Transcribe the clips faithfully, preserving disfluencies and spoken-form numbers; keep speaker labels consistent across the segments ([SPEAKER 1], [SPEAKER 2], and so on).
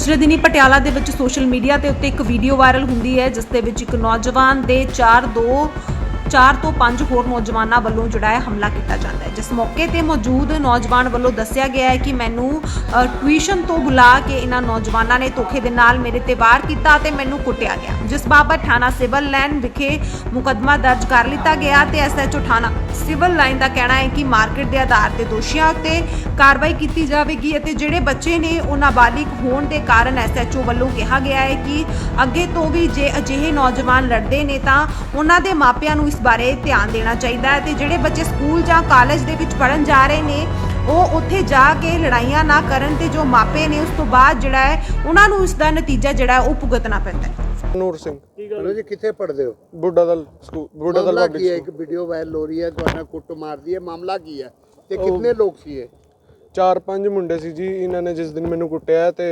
[SPEAKER 1] ਪਿਛਲੇ ਦਿਨੀ ਪਟਿਆਲਾ ਦੇ ਵਿੱਚ ਸੋਸ਼ਲ ਮੀਡੀਆ ਤੇ ਉੱਤੇ ਇੱਕ ਵੀਡੀਓ ਵਾਇਰਲ ਹੁੰਦੀ ਹੈ ਜਿਸ ਦੇ ਵਿੱਚ ਇੱਕ ਨੌਜਵਾਨ ਦੇ ਚਾਰ ਦੋ ਚਾਰ ਤੋਂ ਪੰਜ ਹੋਰ ਨੌਜਵਾਨਾਂ ਵੱਲੋਂ ਜਿਹੜਾ ਹੈ ਹਮਲਾ ਕੀਤਾ ਜਾਂਦਾ ਹੈ। ਜਿਸ ਮੌਕੇ ਤੇ ਮੌਜੂਦ ਨੌਜਵਾਨ ਵੱਲੋਂ ਦੱਸਿਆ ਗਿਆ ਹੈ ਕਿ ਮੈਨੂੰ ਟਿਊਸ਼ਨ ਤੋਂ ਬੁਲਾ ਕੇ ਇਹਨਾਂ ਨੌਜਵਾਨਾਂ ਨੇ ਧੋਖੇ ਦੇ ਨਾਲ ਮੇਰੇ ਤੇ ਵਾਰ ਕੀਤਾ ਤੇ ਮੈਨੂੰ ਕੁੱਟਿਆ ਗਿਆ, ਜਿਸ ਬਾਬਤ ਥਾਣਾ ਸਿਵਲ ਲਾਈਨ ਵਿਖੇ ਮੁਕੱਦਮਾ ਦਰਜ ਕਰ ਲਿੱਤਾ ਗਿਆ ਤੇ ਐਸਐਚਓ ਥਾਣਾ ਸਿਵਲ ਲਾਈਨ ਦਾ ਕਹਿਣਾ ਹੈ ਕਿ ਮਾਰਕੀਟ ਦੇ ਆਧਾਰ ਤੇ ਦੋਸ਼ੀਆਂ ਉੱਤੇ ਕਾਰਵਾਈ ਕੀਤੀ ਜਾਵੇਗੀ ਅਤੇ ਜਿਹੜੇ ਬੱਚੇ ਨੇ ਉਹ ਨਾਬਾਲਿਗ ਹੋਣ ਦੇ ਕਾਰਨ ਐਸਐਚਓ ਵੱਲੋਂ ਕਿਹਾ ਗਿਆ ਹੈ ਕਿ ਅੱਗੇ ਤੋਂ ਵੀ ਜੇ ਅਜਿਹੇ ਨੌਜਵਾਨ ਲੜਦੇ ਨੇ ਤਾਂ ਉਹਨਾਂ ਦੇ ਮਾਪਿਆਂ ਨੂੰ ਇਸ ਬਾਰੇ ਧਿਆਨ ਦੇਣਾ ਚਾਹੀਦਾ ਹੈ ਤੇ ਜਿਹੜੇ ਬੱਚੇ ਸਕੂਲ ਜਾਂ ਕਾਲਜ ਦੇ ਵਿੱਚ ਪੜ੍ਹਨ ਜਾ ਰਹੇ ਨੇ ਉਹ ਉੱਥੇ ਜਾ ਕੇ ਲੜਾਈਆਂ ਨਾ ਕਰਨ ਤੇ ਜੋ ਮਾਪੇ ਨੇ ਉਸ ਤੋਂ ਬਾਅਦ ਜਿਹੜਾ ਹੈ ਉਹਨਾਂ ਨੂੰ ਇਸ ਦਾ ਨਤੀਜਾ ਜਿਹੜਾ ਉਹ ਭੁਗਤਣਾ ਪੈਂਦਾ ਹੈ।
[SPEAKER 2] ਨੂਰ ਸਿੰਘ
[SPEAKER 3] ਚਲੋ ਜੀ, ਕਿੱਥੇ ਪੜ੍ਹਦੇ ਹੋ?
[SPEAKER 2] ਬੁੱਢਾ ਦਲ ਸਕੂਲ ਬੁੱਢਾ ਦਲ
[SPEAKER 3] ਮਾਮਲਾ
[SPEAKER 2] ਪਬਲਿਕ
[SPEAKER 3] ਕੀ ਹੈ?
[SPEAKER 2] ਸਕੂਲ।
[SPEAKER 3] ਇੱਕ ਵੀਡੀਓ ਵਾਇਰਲ ਹੋ ਰਹੀ ਹੈ, ਤੁਹਾਡਾ ਕੁੱਟ ਮਾਰਦੀ ਹੈ, ਮਾਮਲਾ ਕੀ ਹੈ ਤੇ ਕਿੰਨੇ ਲੋਕ ਸੀ ਇਹ?
[SPEAKER 2] ਚਾਰ ਪੰਜ ਮੁੰਡੇ ਸੀ ਜੀ। ਇਹਨਾਂ ਨੇ ਜਿਸ ਦਿਨ ਮੈਨੂੰ ਕੁੱਟਿਆ ਤੇ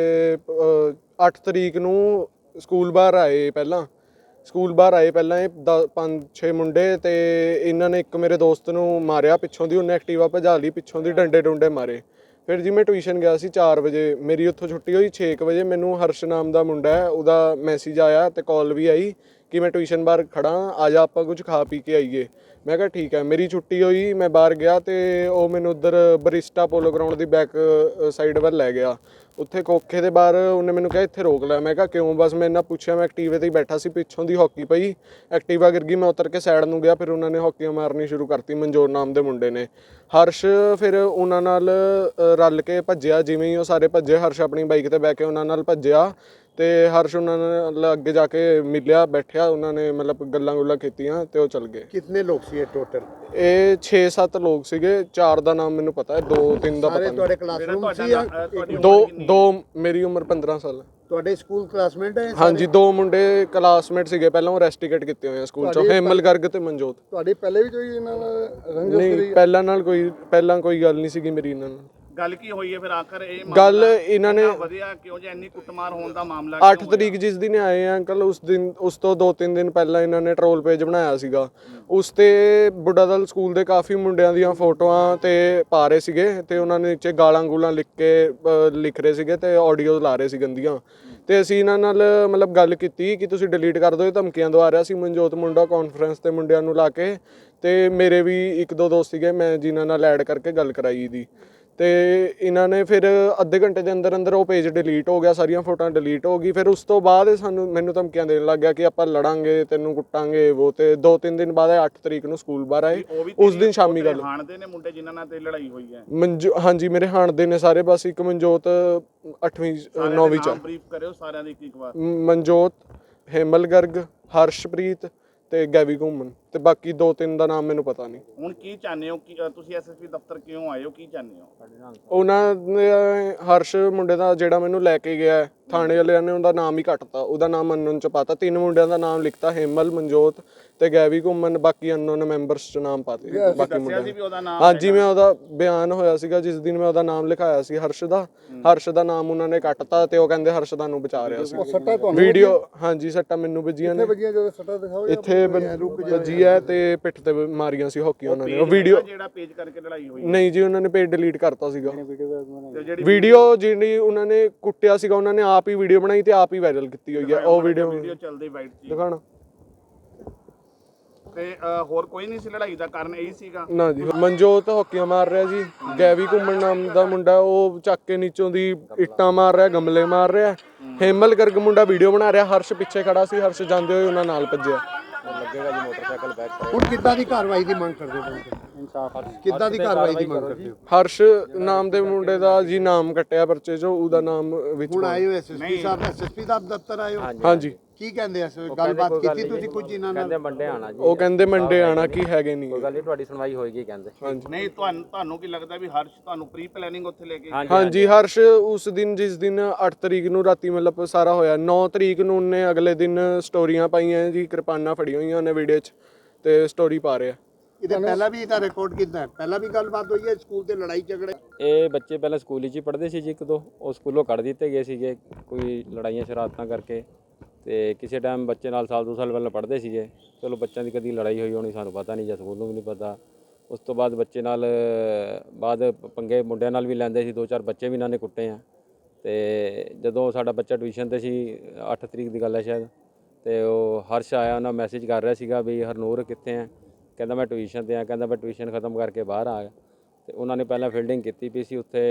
[SPEAKER 2] ਅੱਠ ਤਰੀਕ ਨੂੰ ਸਕੂਲ ਬਾਹਰ ਆਏ ਪਹਿਲਾਂ ਸਕੂਲ ਬਾਹਰ ਆਏ ਪਹਿਲਾਂ ਇਹ ਪੰਜ ਛੇ ਮੁੰਡੇ ਤੇ ਇਹਨਾਂ ਨੇ ਇੱਕ ਮੇਰੇ ਦੋਸਤ ਨੂੰ ਮਾਰਿਆ ਪਿੱਛੋਂ ਦੀ, ਉਹਨੇ ਐਕਟਿਵਾ ਭਜਾ ਲਈ ਪਿੱਛੋਂ ਦੀ, ਡੰਡੇ ਡੁੰਡੇ ਮਾਰੇ। ਫਿਰ ਜੀ ਮੈਂ ਟਿਊਸ਼ਨ ਗਿਆ ਸੀ ਚਾਰ ਵਜੇ, ਮੇਰੀ ਉੱਥੋਂ ਛੁੱਟੀ ਹੋਈ ਛੇ ਕੁ ਵਜੇ। ਮੈਨੂੰ ਹਰਸ਼ ਨਾਮ ਦਾ ਮੁੰਡਾ ਹੈ, ਉਹਦਾ ਮੈਸੇਜ ਆਇਆ ਤੇ ਕਾਲ ਵੀ ਆਈ ਕਿ ਮੈਂ ਟਿਊਸ਼ਨ ਬਾਹਰ ਖੜਾ, ਆ ਜਾ ਆਪਾਂ ਕੁਝ ਖਾ ਪੀ ਕੇ ਆਈਏ। ਮੈਂ ਕਿਹਾ ਠੀਕ ਹੈ। ਮੇਰੀ ਛੁੱਟੀ ਹੋਈ, ਮੈਂ ਬਾਹਰ ਗਿਆ ਤੇ ਉਹ ਮੈਨੂੰ ਉੱਧਰ ਬਰਿਸਟਾ ਪੋਲੋ ਗਰਾਊਂਡ ਦੀ ਬੈਕ ਸਾਈਡ ਵੱਲ ਲੈ ਗਿਆ। ਉੱਥੇ ਕੋਖੇ ਦੇ ਬਾਹਰ ਉਹਨੇ ਮੈਨੂੰ ਕਿਹਾ ਇੱਥੇ ਰੋਕ ਲੈ। ਮੈਂ ਕਿਹਾ ਕਿਉਂ? ਬਸ ਮੈਂ ਇਹਨਾਂ ਪੁੱਛਿਆ, ਮੈਂ ਐਕਟੀਵੇ 'ਤੇ ਹੀ ਬੈਠਾ ਸੀ, ਪਿੱਛੋਂ ਦੀ ਹਾਕੀ ਪਈ, ਐਕਟੀਵਾ ਗਿਰ ਗਈ, ਮੈਂ ਉਤਰ ਕੇ ਸਾਈਡ ਨੂੰ ਗਿਆ। ਫਿਰ ਉਹਨਾਂ ਨੇ ਹਾਕੀਆਂ ਮਾਰਨੀ ਸ਼ੁਰੂ ਕਰਤੀ, ਮਨਜੋਰ ਨਾਮ ਦੇ ਮੁੰਡੇ ਨੇ। ਹਰਸ਼ ਫਿਰ ਉਹਨਾਂ ਨਾਲ ਰਲ ਕੇ ਭੱਜਿਆ, ਜਿਵੇਂ ਹੀ ਉਹ ਸਾਰੇ ਭੱਜੇ ਹਰਸ਼ ਆਪਣੀ ਬਾਈਕ 'ਤੇ ਬਹਿ ਕੇ ਉਹਨਾਂ ਨਾਲ ਭੱਜਿਆ ਤੇ ਹਰਸ਼ ਉਹਨਾਂ ਨਾਲ ਅੱਗੇ ਜਾ ਕੇ ਮਿਲਿਆ, ਬੈਠਿਆ, ਉਹਨਾਂ ਨੇ ਮਤਲਬ ਗੱਲਾਂ ਗੁੱਲਾਂ ਕੀਤੀਆਂ ਤੇ ਉਹ ਚਲ ਗਏ।
[SPEAKER 3] ਕਿੰਨੇ ਲੋਕ ਸੀ ਇਹ ਟੋਟਲ?
[SPEAKER 2] ਇਹ ਛੇ ਸੱਤ ਲੋਕ ਸੀਗੇ, ਚਾਰ ਦਾ ਨਾਮ ਮੈਨੂੰ ਪਤਾ ਹੈ, ਦੋ ਤਿੰਨ ਦਾ ਪਤਾ
[SPEAKER 3] ਸਾਰੇ
[SPEAKER 2] ਨਹੀਂ।
[SPEAKER 3] ਤੁਹਾਡੇ ਕਲਾਸਰੂਮ ਸੀ ਜਾਂ
[SPEAKER 2] ਦੋ ਦੋ ਮੇਰੀ ਉਮਰ ਪੰਦਰਾਂ ਸਾਲ ਹੈ।
[SPEAKER 3] ਤੁਹਾਡੇ ਸਕੂਲ ਕਲਾਸਮੇਟ ਹੈ?
[SPEAKER 2] ਹਾਂਜੀ, ਦੋ ਮੁੰਡੇ ਕਲਾਸਮੇਟ ਸੀਗੇ, ਪਹਿਲਾਂ ਉਹ ਰੈਸਟੀਕੇਟ ਕੀਤੇ ਹੋਏ ਆ ਸਕੂਲ ਚੋਂ, ਹੇਮਲ ਗਰਗ ਤੇ ਮਨਜੋਤ।
[SPEAKER 3] ਤੁਹਾਡੀ ਪਹਿਲੇ ਵੀ ਕੋਈ ਇਹਨਾਂ ਨਾਲ ਰੰਜਿਸ਼
[SPEAKER 2] ਨਹੀਂ,
[SPEAKER 3] ਰਹੀ?
[SPEAKER 2] ਪਹਿਲਾਂ ਨਾਲ ਕੋਈ ਪਹਿਲਾਂ ਕੋਈ ਗੱਲ ਨਹੀਂ ਸੀਗੀ ਮੇਰੀ ਇਹਨਾਂ ਨਾਲ।
[SPEAKER 4] ਗੱਲ ਕੀ ਹੋਈ ਹੈ ਫਿਰ ਆਖਰ? ਇਹ
[SPEAKER 2] ਗੱਲ ਇਹਨਾਂ ਨੇ
[SPEAKER 4] ਵਧਿਆ ਕਿਉਂ ਜੇ ਇੰਨੀ ਕੁੱਟਮਾਰ ਹੋਣ ਦਾ ਮਾਮਲਾ?
[SPEAKER 2] ਅੱਠ ਤਰੀਕ ਜਿਸ ਦਿਨ ਆਏ ਆ ਅੰਕਲ, ਉਸ ਦਿਨ ਉਸ ਤੋਂ ਦੋ ਤਿੰਨ ਦਿਨ ਪਹਿਲਾਂ ਇਹਨਾਂ ਨੇ ਟਰੋਲ ਪੇਜ ਬਣਾਇਆ ਸੀਗਾ। ਉਸ ਤੇ ਬੁੱਢਾ ਦਲ ਸਕੂਲ ਦੇ ਕਾਫੀ ਮੁੰਡਿਆਂ ਦੀਆਂ ਫੋਟੋਆਂ ਤੇ ਪਾ ਰਹੇ ਸੀਗੇ ਤੇ ਉਹਨਾਂ ਨੇ ਨੀਚੇ ਗਾਲਾਂ ਗੂਲਾਂ ਲਿਖ ਕੇ ਲਿਖ ਰਹੇ ਸੀਗੇ ਤੇ ਆਡੀਓ ਲਾ ਰਹੇ ਸੀ ਗੰਦੀਆਂ। ਤੇ ਅਸੀਂ ਇਹਨਾਂ ਨਾਲ ਮਤਲਬ ਗੱਲ ਕੀਤੀ ਕਿ ਤੁਸੀਂ ਡਿਲੀਟ ਕਰ ਦਿਓ, ਇਹ ਧਮਕੀਆਂ ਦਵਾ ਰਿਹਾ ਸੀ ਮਨਜੋਤ ਮੁੰਡਾ ਕਾਨਫਰੰਸ ਤੇ ਮੁੰਡਿਆਂ ਨੂੰ ਲਾ ਕੇ। ਤੇ ਮੇਰੇ ਵੀ ਇੱਕ ਦੋ ਦੋਸਤ ਸੀਗੇ, ਮੈਂ ਜਿਨ੍ਹਾਂ ਨਾਲ ਐਡ ਕਰਕੇ ਗੱਲ ਕਰਾਈ ਦੀ। ਤੇ ਇਹਨਾਂ ਨੇ ਫਿਰ ਅੱਧੇ ਘੰਟੇ ਦੇ ਅੰਦਰ ਅੰਦਰ ਉਹ ਪੇਜ ਡਿਲੀਟ ਹੋ ਗਿਆ, ਸਾਰੀਆਂ ਫੋਟੋਆਂ ਡਿਲੀਟ ਹੋ ਗਈ। ਫਿਰ ਉਸ ਤੋਂ ਬਾਅਦ ਸਾਨੂੰ ਮੈਨੂੰ ਧਮਕੀਆਂ ਦੇਣ ਲੱਗ ਗਿਆ ਕਿ ਆਪਾਂ ਲੜਾਂਗੇ, ਤੈਨੂੰ ਕੁੱਟਾਂਗੇ ਉਹ। ਤੇ ਦੋ ਤਿੰਨ ਦਿਨ ਬਾਅਦ ਅੱਠ ਤਰੀਕ ਨੂੰ ਸਕੂਲ ਬਾਹਰ ਆਏ, ਉਸ ਦਿਨ ਸ਼ਾਮੀ ਗੱਲ।
[SPEAKER 4] ਹਾਣਦੇ ਨੇ ਮੁੰਡੇ ਜਿਨ੍ਹਾਂ ਨਾਲ ਤੇ ਲੜਾਈ ਹੋਈ ਹੈ?
[SPEAKER 2] ਮਨਜੋ ਹਾਂਜੀ, ਮੇਰੇ ਹਾਣਦੇ ਨੇ ਸਾਰੇ, ਬਸ ਇੱਕ ਮਨਜੋਤ ਅੱਠਵੀਂ ਨੌਵੀਂ ਚ।
[SPEAKER 4] ਬਰੀਫ ਕਰਿਓ ਸਾਰਿਆਂ ਦੀ ਇੱਕ ਵਾਰ।
[SPEAKER 2] ਮਨਜੋਤ, ਹੇਮਲ ਗਰਗ, ਹਰਸ਼ਪ੍ਰੀਤ ਤੇ ਗੈਵੀ ਘੁੰਮਣ ਤੇ ਬਾਕੀ ਦੋ ਤਿੰਨ ਦਾ ਨਾਮ ਮੈਨੂੰ ਪਤਾ ਨਹੀਂ।
[SPEAKER 4] ਹੁਣ ਕੀ ਚਾਹੁੰਦੇ ਹੋ ਕਿ ਤੁਸੀਂ ਐਸਐਸਪੀ ਦਫ਼ਤਰ ਕਿਉਂ ਆਏ ਹੋ? ਕੀ ਚਾਹੁੰਦੇ ਹੋ?
[SPEAKER 2] ਉਹਨਾਂ ਨੇ ਹਰਸ਼ ਮੁੰਡੇ ਦਾ ਜਿਹੜਾ ਮੈਨੂੰ ਲੈ ਕੇ ਗਿਆ, ਥਾਣੇ ਵਾਲਿਆਂ ਨੇ ਉਹਦਾ ਨਾਮ ਹੀ ਕੱਟਤਾ, ਉਹਦਾ ਨਾਮ ਅਨਨੋਨ ਚ ਪਾਤਾ। ਤਿੰਨ ਮੁੰਡਿਆਂ ਦਾ ਨਾਮ ਲਿਖਤਾ, ਹੇਮਲ, ਮਨਜੋਤ ਤੇ ਗੈਵੀ ਘੁੰਮਣ, ਬਾਕੀ ਅਨਨੋਨ ਮੈਂਬਰਸ ਚ ਨਾਮ ਪਾਤੇ ਬਾਕੀ ਮੁੰਡਿਆਂ। ਹਾਂਜੀ, ਮੈਂ ਉਹਦਾ ਬਿਆਨ ਹੋਇਆ ਸੀਗਾ ਜਿਸ ਦਿਨ ਮੈਂ ਉਹਦਾ ਨਾਮ ਲਿਖਾਇਆ ਸੀ ਹਰਸ਼ ਦਾ, ਹਰਸ਼ ਦਾ ਨਾਮ ਉਹਨਾਂ ਨੇ ਕੱਟਤਾ ਤੇ ਉਹ ਕਹਿੰਦੇ ਹਰਸ਼ ਦਾ ਨੂੰ ਬਚਾ ਰਿਹਾ ਸੀ। ਵੀਡੀਓ ਹਾਂਜੀ, ਸੱਟਾਂ ਮੈਨੂੰ ਵੱਜੀਆਂ ਨੇ, ਇੱਥੇ ਵੱਜੀ ਹੈ ਤੇ ਪਿੱਠ ਤੇ ਮਾਰੀਆਂ ਸੀ ਹਾਕੀ ਉਹਨਾਂ ਨੇ। ਉਹ ਵੀਡੀਓ
[SPEAKER 4] ਜਿਹੜਾ ਪੇਜ ਕਰਕੇ ਲੜਾਈ ਹੋਈ?
[SPEAKER 2] ਨਹੀਂ ਜੀ, ਉਹਨਾਂ ਨੇ ਪੇਜ ਡਿਲੀਟ ਕਰਤਾ ਸੀਗਾ। ਵੀਡੀਓ ਜਿਹੜੀ ਉਹਨਾਂ ਨੇ ਕੁੱਟਿਆ ਸੀਗਾ, ਉਹਨਾਂ ਨੇ ਆਪ ਹੀ ਵੀਡੀਓ ਬਣਾਈ ਤੇ ਆਪ ਹੀ ਵਾਇਰਲ ਕੀਤੀ ਹੋਈ ਹੈ ਉਹ ਵੀਡੀਓ।
[SPEAKER 4] ਵੀਡੀਓ ਚੱਲਦੀ ਵਾਈਟ ਸੀ
[SPEAKER 2] ਦਿਖਾਣਾ।
[SPEAKER 4] ਤੇ ਹੋਰ ਕੋਈ ਨਹੀਂ ਸੀ ਲੜਾਈ ਦਾ ਕਾਰਨ? ਇਹੀ ਸੀਗਾ
[SPEAKER 2] ਨਾ ਜੀ। ਮਨਜੋਤ ਹਾਕੀਆਂ ਮਾਰ ਰਿਹਾ ਜੀ, ਗੈਵੀ ਘੁੰਮਣ ਨਾਮ ਦਾ ਮੁੰਡਾ ਉਹ ਚੱਕ ਕੇ ਨੀਚੋਂ ਦੀ ਇੱਟਾਂ ਮਾਰ ਰਿਹਾ, ਗਮਲੇ ਮਾਰ ਰਿਹਾ। ਹੇਮਲ ਗਰਗ ਮੁੰਡਾ ਵੀਡੀਓ ਬਣਾ ਰਿਹਾ, ਹਰਸ਼ ਪਿੱਛੇ ਖੜਾ ਸੀ, ਹਰਸ਼ ਜਾਂਦੇ ਹੋਏ ਉਹਨਾਂ ਨਾਲ ਭੱਜਿਆ।
[SPEAKER 3] ਲੱਗੇਗਾ ਜੀ ਮੋਟਰਸਾਈਕਲ ਬੈਕ ਸਾਈਡ। ਹੁਣ ਕਿੱਦਾਂ ਦੀ ਕਾਰਵਾਈ ਦੀ ਮੰਗ ਕਰਦੇ ਹੋ? ਇਨਸਾਫ ਕਿੱਦਾਂ ਦੀ ਕਾਰਵਾਈ ਦੀ ਮੰਗ ਕਰਦੇ ਹੋ?
[SPEAKER 2] ਹਰਸ਼ ਨਾਮ ਦੇ ਮੁੰਡੇ ਦਾ ਜੀ ਨਾਮ ਕੱਟਿਆ ਪਰਚੇ ਚੋਂ, ਉਹਦਾ ਨਾਮ ਵਿੱਚ।
[SPEAKER 3] ਹੁਣ ਆਏ ਹੋ ਐਸਐਸਪੀ ਸਾਹਿਬ, ਐਸਐਸਪੀ ਦਾ ਦਫ਼ਤਰ ਆਏ ਹੋ?
[SPEAKER 2] ਹਾਂਜੀ।
[SPEAKER 3] ਕੀ ਕਹਿੰਦੇ ਐ? ਗੱਲਬਾਤ ਕੀਤੀ ਤੁਸੀਂ ਕੁਝ ਇਹਨਾਂ ਨਾਲ?
[SPEAKER 5] ਕਹਿੰਦੇ ਮੰਡੇ ਆਣਾ ਜੀ।
[SPEAKER 2] ਉਹ ਕਹਿੰਦੇ ਮੰਡੇ ਆਣਾ, ਕੀ ਹੈਗੇ ਨਹੀਂ।
[SPEAKER 5] ਕੋਈ ਗੱਲ ਨਹੀਂ, ਤੁਹਾਡੀ ਸੁਣਵਾਈ ਹੋਏਗੀ ਕਹਿੰਦੇ।
[SPEAKER 2] ਹਾਂਜੀ।
[SPEAKER 4] ਨਹੀਂ, ਤੁਹਾਨੂੰ ਤੁਹਾਨੂੰ ਕੀ ਲੱਗਦਾ ਵੀ ਹਰਸ਼ ਤੁਹਾਨੂੰ ਪ੍ਰੀ ਪਲੈਨਿੰਗ ਉੱਥੇ ਲੈ ਕੇ?
[SPEAKER 2] ਹਾਂਜੀ, ਹਰਸ਼ ਉਸ ਦਿਨ ਜਿਸ ਦਿਨ ਅੱਠ ਤਰੀਕ ਨੂੰ ਰਾਤੀ ਮਤਲਬ ਸਾਰਾ ਹੋਇਆ, ਨੌ ਤਰੀਕ ਨੂੰ ਉਹਨੇ ਅਗਲੇ ਦਿਨ ਸਟੋਰੀਆਂ ਪਾਈਆਂ ਜੀ, ਕਿਰਪਾਨਾਂ ਫੜੀਆਂ ਹੋਈਆਂ ਉਹਨੇ ਵੀਡੀਓ 'ਚ ਤੇ ਸਟੋਰੀ ਪਾ ਰਿਹਾ।
[SPEAKER 3] ਇਹਦਾ ਪਹਿਲਾਂ ਵੀ ਇਹਦਾ ਰਿਕਾਰਡ ਕੀਤਾ ਹੈ? ਪਹਿਲਾਂ ਵੀ ਗੱਲਬਾਤ ਹੋਈ ਹੈ ਸਕੂਲ ਤੇ ਲੜਾਈ ਝਗੜੇ?
[SPEAKER 5] ਇਹ ਬੱਚੇ ਪਹਿਲਾਂ ਸਕੂਲ ਵਿੱਚ ਹੀ ਪੜ੍ਹਦੇ ਸੀ ਜੀ, ਇੱਕ ਦੋ ਉਹ ਸਕੂਲੋਂ ਕੱਢ ਦਿੱਤੇ ਗਏ ਸੀਗੇ ਕੋਈ ਲੜਾਈਆਂ ਸ਼ਰਾਰਤਾਂ ਕਰਕੇ। ਤੇ ਕਿਸੇ ਟਾਈਮ ਬੱਚੇ ਨਾਲ ਸਾਲ ਦੋ ਸਾਲ ਪਹਿਲਾਂ ਪੜ੍ਹਦੇ ਸੀਗੇ, ਚਲੋ ਬੱਚਿਆਂ ਦੀ ਕਦੀ ਲੜਾਈ ਹੋਈ ਹੋਣੀ ਸਾਨੂੰ ਪਤਾ ਨਹੀਂ, ਜਾਂ ਸਕੂਲ ਨੂੰ ਵੀ ਨਹੀਂ ਪਤਾ। ਉਸ ਤੋਂ ਬਾਅਦ ਬੱਚੇ ਨਾਲ ਬਾਅਦ ਪੰਗੇ ਮੁੰਡਿਆਂ ਨਾਲ ਵੀ ਲੈਂਦੇ ਸੀ, ਦੋ ਚਾਰ ਬੱਚੇ ਵੀ ਇਹਨਾਂ ਨੇ ਕੁੱਟੇ ਆ। ਤੇ ਜਦੋਂ ਸਾਡਾ ਬੱਚਾ ਟਿਊਸ਼ਨ ਤੇ ਸੀ, ਅੱਠ ਤਰੀਕ ਦੀ ਗੱਲ ਹੈ ਸ਼ਾਇਦ, ਤੇ ਉਹ ਹਰਸ਼ ਆਇਆ, ਉਹਨਾਂ ਮੈਸੇਜ ਕਰ ਰਿਹਾ ਸੀਗਾ ਵੀ ਹਰਨੂਰ ਕਿੱਥੇ ਆ। ਕਹਿੰਦਾ ਮੈਂ ਟਿਊਸ਼ਨ ਤੇ ਆ। ਕਹਿੰਦਾ ਮੈਂ ਟਿਊਸ਼ਨ ਖਤਮ ਕਰਕੇ ਬਾਹਰ ਆ ਗਿਆ। ਤੇ ਉਹਨਾਂ ਨੇ ਪਹਿਲਾਂ ਫੀਲਡਿੰਗ ਕੀਤੀ ਪਈ ਸੀ ਉੱਥੇ,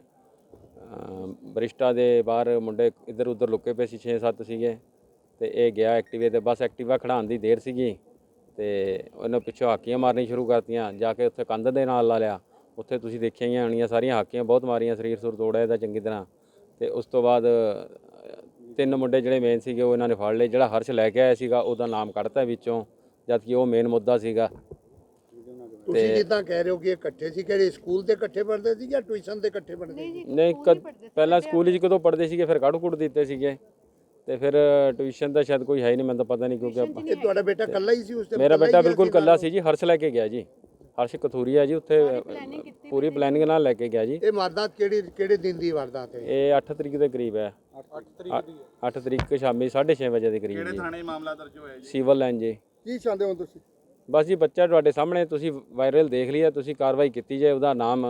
[SPEAKER 5] ਬਰਿਸ਼ਟਾ ਦੇ ਬਾਹਰ ਮੁੰਡੇ ਇੱਧਰ ਉੱਧਰ ਲੁੱਕੇ ਪਏ ਸੀ, ਛੇ ਸੱਤ ਸੀਗੇ। ਤੇ ਇਹ ਗਿਆ ਐਕਟਿਵੇ ਤੇ, ਬਸ ਐਕਟਿਵਾ ਖੜਾਉਣ ਦੀ ਦੇਰ ਸੀਗੀ ਤੇ ਉਹਨੇ ਪਿੱਛੋਂ ਹਾਕੀਆਂ ਮਾਰਨੀ ਸ਼ੁਰੂ ਕਰਤੀਆਂ। ਜਾ ਕੇ ਉੱਥੇ ਕੰਧ ਦੇ ਨਾਲ ਲਾ ਲਿਆ। ਉੱਥੇ ਤੁਸੀਂ ਦੇਖਿਆ ਹੀ ਹੋਣੀਆਂ ਸਾਰੀਆਂ ਹਾਕੀਆਂ ਬਹੁਤ ਮਾਰੀਆਂ, ਸਰੀਰ ਸੁਰ ਤੋੜਿਆ ਇਹਦਾ ਚੰਗੀ ਤਰ੍ਹਾਂ। ਤੇ ਉਸ ਤੋਂ ਬਾਅਦ ਤਿੰਨ ਮੁੰਡੇ ਜਿਹੜੇ ਮੇਨ ਸੀਗੇ ਉਹ ਇਹਨਾਂ ਨੇ ਫੜ ਲਏ। ਜਿਹੜਾ ਹਰਸ਼ ਲੈ ਕੇ ਆਇਆ ਸੀਗਾ ਉਹਦਾ ਨਾਮ ਕੱਢਤਾ ਵਿੱਚੋਂ, ਜਦ ਕਿ ਉਹ ਮੇਨ ਮੁੱਦਾ ਸੀਗਾ।
[SPEAKER 3] ਤੁਸੀਂ ਜਿੱਦਾਂ ਕਹਿ ਰਹੇ ਹੋ ਕਿ ਇਹ ਇਕੱਠੇ ਸੀ, ਕਿਹੜੇ ਸਕੂਲ ਤੇ ਇਕੱਠੇ ਪੜ੍ਹਦੇ ਸੀ ਜਾਂ ਟਿਊਸ਼ਨ ਤੇ ਇਕੱਠੇ ਪੜ੍ਹਦੇ ਸੀ?
[SPEAKER 5] ਨਹੀਂ, ਪਹਿਲਾਂ ਸਕੂਲ 'ਚ ਕਦੋਂ ਪੜ੍ਹਦੇ ਸੀਗੇ, ਫਿਰ ਕੱਢ ਕੁੱਟ ਦਿੱਤੇ ਸੀਗੇ। ਤੇ ਫਿਰ ਟਿਊਸ਼ਨ ਦਾ ਸ਼ਾਇਦ ਕੋਈ ਹੈ ਹੀ ਨਹੀਂ, ਮੈਨੂੰ ਤਾਂ ਪਤਾ ਨਹੀਂ, ਕਿਉਂਕਿ ਆਪਾਂ
[SPEAKER 3] ਇਹ ਤੁਹਾਡਾ ਬੇਟਾ ਇਕੱਲਾ ਹੀ ਸੀ ਉਸ ਤੇ?
[SPEAKER 5] ਮੇਰਾ ਬੇਟਾ ਬਿਲਕੁਲ ਇਕੱਲਾ ਸੀ ਜੀ। ਹਰਸ਼ ਲੈ ਕੇ ਗਿਆ ਜੀ, ਹਰਸ਼ ਕਥੂਰੀਆ ਜੀ, ਉੱਥੇ ਪੂਰੀ ਪਲੈਨਿੰਗ ਨਾਲ ਲੈ ਕੇ ਗਿਆ ਜੀ।
[SPEAKER 3] ਇਹ ਵਾਰਦਾਤ ਕਿਹੜੀ ਕਿਹੜੇ ਦਿਨ ਦੀ ਵਾਰਦਾਤ ਹੈ?
[SPEAKER 5] ਇਹ ਅੱਠ ਤਰੀਕ ਦੇ ਕਰੀਬ ਹੈ। ਅੱਠ ਤਰੀਕ ਸ਼ਾਮੀ ਸਾਢੇ ਛੇ ਵਜੇ ਦੇ ਕਰੀਬ
[SPEAKER 4] ਕਿਹੜੇ
[SPEAKER 5] ਜੀ।
[SPEAKER 4] ਥਾਣੇ ਮਾਮਲਾ ਦਰਜ ਹੋਇਆ ਜੀ?
[SPEAKER 5] ਸਿਵਲ ਲਾਈਨ ਜੀ।
[SPEAKER 3] ਕੀ ਚਾਹੁੰਦੇ ਹੋ ਤੁਸੀਂ?
[SPEAKER 5] ਬਸ ਜੀ ਬੱਚਾ ਤੁਹਾਡੇ ਸਾਹਮਣੇ, ਤੁਸੀਂ ਵਾਇਰਲ ਦੇਖ ਲਿਆ, ਤੁਸੀਂ ਕਾਰਵਾਈ ਕੀਤੀ ਜਾਏ, ਉਹਦਾ ਨਾਮ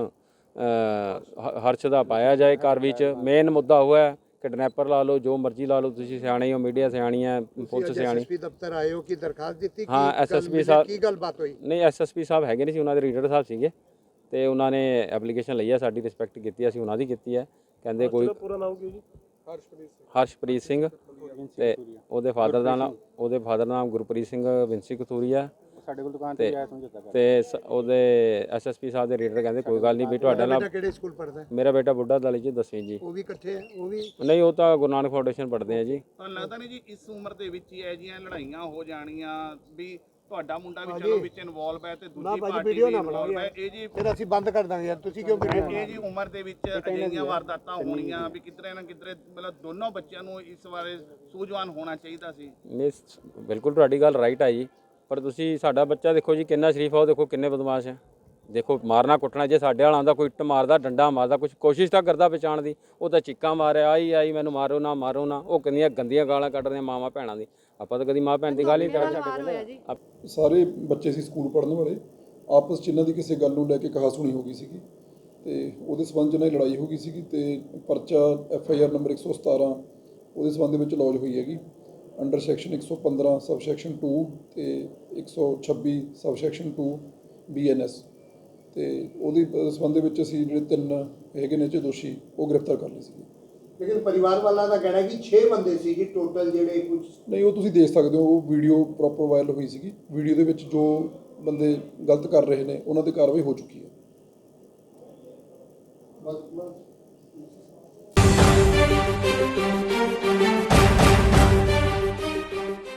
[SPEAKER 5] ਹਰਸ਼ ਦਾ ਪਾਇਆ ਜਾਏ ਕਾਰਵਾਈ 'ਚ। ਮੇਨ ਮੁੱਦਾ ਹੋਇਆ ਕਿਡਨੈਪਰ ਲਾ ਲਓ, ਜੋ ਮਰਜ਼ੀ ਲਾ ਲਓ, ਤੁਸੀਂ ਸਿਆਣੇ ਹੋ, ਮੀਡੀਆ ਸਿਆਣੀ ਹੈ, ਪੁਲਿਸ ਸਿਆਣੀ।
[SPEAKER 3] ਐਸਐਸਪੀ ਦਫ਼ਤਰ ਆਏ ਹੋ ਕਿ ਦਰਖਾਸਤ ਦਿੱਤੀ?
[SPEAKER 5] ਹਾਂ, ਐਸਐਸਪੀ ਸਾਹਿਬ,
[SPEAKER 3] ਕੀ ਗੱਲਬਾਤ ਹੋਈ?
[SPEAKER 5] ਨਹੀਂ ਐਸਐਸਪੀ ਸਾਹਿਬ ਹੈਗੇ ਨਹੀਂ ਸੀ, ਉਹਨਾਂ ਦੇ ਰੀਡਰ ਸਾਹਿਬ ਸੀਗੇ ਤੇ ਉਹਨਾਂ ਨੇ ਐਪਲੀਕੇਸ਼ਨ ਲਈ ਹੈ, ਸਾਡੀ ਰਿਸਪੈਕਟ ਕੀਤੀ, ਅਸੀਂ ਉਹਨਾਂ ਦੀ ਕੀਤੀ ਹੈ। ਕਹਿੰਦੇ ਕੋਈ
[SPEAKER 2] ਪੂਰਾ ਨਾਮ ਕੀ ਜੀ? ਹਰਸ਼ਪ੍ਰੀਤ ਸਿੰਘ।
[SPEAKER 5] ਹਰਸ਼ਪ੍ਰੀਤ ਸਿੰਘ ਤੇ ਉਹਦੇ ਫਾਦਰ ਦਾ ਨਾਮ, ਉਹਦੇ ਫਾਦਰ ਦਾ ਨਾਮ ਗੁਰਪ੍ਰੀਤ ਸਿੰਘ ਵਿੰਸੀ ਕਥੂਰੀਆ। ਸਾਡੇ ਕੋਲ ਦੁਕਾਨ ਤੇ ਆਇਆ ਸਮਝੌਤਾ ਕਰ ਤੇ ਉਹਦੇ ਐਸਐਸਪੀ ਸਾਹਿਬ ਦੇ ਰੀਡਰ ਕਹਿੰਦੇ ਕੋਈ ਗੱਲ ਨਹੀਂ ਵੀ ਤੁਹਾਡਾ ਨਾਮ।
[SPEAKER 3] ਕਿਹੜੇ ਸਕੂਲ ਪੜ੍ਹਦਾ?
[SPEAKER 5] ਮੇਰਾ ਬੇਟਾ ਬੁੱਢਾ ਦਲ ਜੀ, ਦਸਵੀਂ ਜੀ।
[SPEAKER 3] ਉਹ ਵੀ ਇਕੱਠੇ ਹੈ? ਉਹ ਵੀ
[SPEAKER 5] ਨਹੀਂ, ਉਹ ਤਾਂ ਗੁਰੂ ਨਾਨਕ ਫਾਊਂਡੇਸ਼ਨ ਪੜ੍ਹਦੇ ਆ ਜੀ।
[SPEAKER 4] ਤੁਹਾਨੂੰ ਲੱਗਦਾ ਨਹੀਂ ਜੀ ਇਸ ਉਮਰ ਦੇ ਵਿੱਚ ਹੀ ਇਹ ਜਿਹੀਆਂ ਲੜਾਈਆਂ ਹੋ ਜਾਣੀਆਂ ਵੀ ਤੁਹਾਡਾ ਮੁੰਡਾ ਵੀ ਚਲੋ ਵਿੱਚ ਇਨਵੋਲਵ ਹੈ ਤੇ ਦੂਜੀ ਪਾਰਟੀ ਵੀ ਇਨਵੋਲਵ ਹੈ? ਇਹ ਜੀ
[SPEAKER 3] ਫਿਰ ਅਸੀਂ ਬੰਦ ਕਰ ਦਾਂਗੇ ਯਾਰ, ਤੁਸੀਂ ਕਿਉਂ ਵੀਡੀਓ
[SPEAKER 4] ਇਹ ਜੀ ਉਮਰ ਦੇ ਵਿੱਚ ਅਜਿਹੀਆਂ ਵਾਰਦਾਤਾਂ ਹੋਣੀਆਂ ਵੀ ਕਿਧਰੇ ਨਾ ਕਿਧਰੇ ਮਤਲਬ ਦੋਨੋਂ ਬੱਚਿਆਂ ਨੂੰ ਇਸ ਬਾਰੇ ਸੂਝਵਾਨ ਹੋਣਾ ਚਾਹੀਦਾ ਸੀ।
[SPEAKER 5] ਨਹੀਂ, ਬਿਲਕੁਲ ਤੁਹਾਡੀ ਗੱਲ ਰਾਈਟ ਹੈ ਜੀ, ਪਰ ਤੁਸੀਂ ਸਾਡਾ ਬੱਚਾ ਦੇਖੋ ਜੀ ਕਿੰਨਾ ਸ਼ਰੀਫ ਆ, ਉਹ ਦੇਖੋ ਕਿੰਨੇ ਬਦਮਾਸ਼ ਹੈ। ਦੇਖੋ ਮਾਰਨਾ ਕੁੱਟਣਾ, ਜੇ ਸਾਡੇ ਵਾਲਾ ਆਉਂਦਾ ਕੋਈ ਇੱਟ ਮਾਰਦਾ, ਡੰਡਾ ਮਾਰਦਾ, ਕੁਝ ਕੋਸ਼ਿਸ਼ ਤਾਂ ਕਰਦਾ ਬਚਾਉਣ ਦੀ, ਉਹ ਤਾਂ ਚੀਕਾਂ ਮਾਰਿਆ, ਆਈ ਆਈ ਮੈਨੂੰ ਮਾਰੋ ਨਾ ਮਾਰੋ ਨਾ। ਉਹ ਕਿੰਨੀਆਂ ਗੰਦੀਆਂ ਗਾਲਾਂ ਕੱਢਦੀਆਂ ਮਾਵਾਂ ਭੈਣਾਂ ਦੀ। ਆਪਾਂ ਤਾਂ ਕਦੀ ਮਾਂ ਭੈਣ ਦੀ ਗੱਲ ਹੀ ਕਰਦੇ।
[SPEAKER 6] ਸਾਰੇ ਬੱਚੇ ਸੀ ਸਕੂਲ ਪੜ੍ਹਨ ਵਾਲੇ, ਆਪਸ 'ਚ ਇਹਨਾਂ ਦੀ ਕਿਸੇ ਗੱਲ ਨੂੰ ਲੈ ਕੇ ਕਹਾ ਸੁਣੀ ਹੋ ਗਈ ਸੀਗੀ ਤੇ ਉਹਦੇ ਸਬੰਧ 'ਚ ਇਹਨਾਂ ਦੀ ਲੜਾਈ ਹੋ ਗਈ ਸੀਗੀ ਤੇ ਪਰਚਾ ਐਫ ਆਈ ਆਰ ਨੰਬਰ ਇੱਕ ਸੌ ਸਤਾਰਾਂ ਉਹਦੇ ਸਬੰਧ ਵਿੱਚ ਲੌਜ ਹੋਈ ਹੈਗੀ ਅੰਡਰ ਸੈਕਸ਼ਨ ਇੱਕ ਸੌ ਪੰਦਰਾਂ ਸਬ ਸੈਕਸ਼ਨ ਟੂ ਤੇ ਇੱਕ ਸੌ ਛੱਬੀ sub section two B N S ਤੇ ਉਹਦੀ ਸਬੰਧ ਦੇ ਵਿੱਚ ਅਸੀਂ ਜਿਹੜੇ ਤਿੰਨ ਹੈਗੇ ਨੇ ਚ ਦੋਸ਼ੀ ਉਹ ਗ੍ਰਿਫਤਾਰ ਕਰ ਲਏ ਸੀਗੇ।
[SPEAKER 3] ਲੇਕਿਨ ਪਰਿਵਾਰ ਵਾਲਾ ਦਾ ਕਹਿਣਾ ਕਿ ਛੇ ਬੰਦੇ ਸੀ ਜੀ ਟੋਟਲ ਜਿਹੜੇ ਕੁਝ। ਨਹੀਂ,
[SPEAKER 6] ਉਹ ਤੁਸੀਂ ਦੇਖ ਸਕਦੇ ਹੋ, ਉਹ ਵੀਡੀਓ ਪ੍ਰੋਪਰ ਵਾਇਰਲ ਹੋਈ ਸੀਗੀ। ਵੀਡੀਓ ਦੇ ਵਿੱਚ ਜੋ ਬੰਦੇ ਗਲਤ ਕਰ ਰਹੇ ਨੇ ਉਹਨਾਂ ਤੇ ਕਾਰਵਾਈ ਹੋ ਚੁੱਕੀ ਹੈ।
[SPEAKER 3] ਬਸ ਬਸ